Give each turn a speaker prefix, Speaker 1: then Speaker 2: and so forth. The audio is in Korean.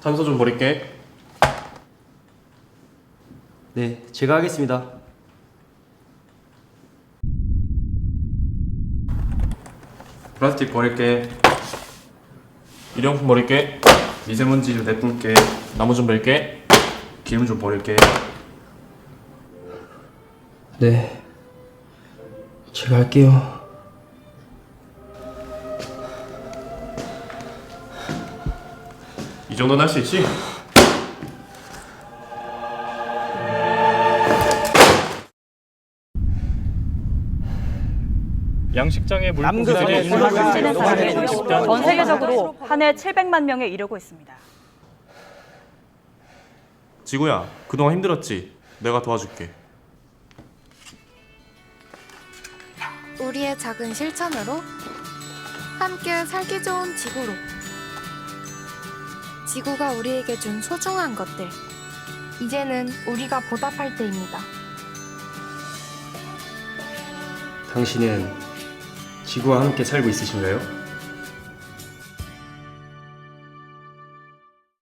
Speaker 1: 탄소 좀 버릴게.
Speaker 2: 네, 제가 하겠습니다.
Speaker 1: 플라스틱 버릴게. 일회용품 버릴게. 미세먼지 좀 내뿜게. 나무 좀 버릴게. 기름 좀 버릴게.
Speaker 2: 네, 제가 할게요.
Speaker 1: 이 정도는 할 수 있지?
Speaker 3: 양식장의
Speaker 4: 남극의
Speaker 3: 물고기들이
Speaker 4: 는 사람이 전 세계적으로 한 해 700만 명에 이르고 있습니다.
Speaker 1: 지구야, 그동안 힘들었지? 내가 도와줄게.
Speaker 5: 우리의 작은 실천으로 함께 살기 좋은 지구로. 지구가 우리에게 준 소중한 것들. 이제는 우리가 보답할 때입니다.
Speaker 2: 당신은 지구와 함께 살고 있으신가요?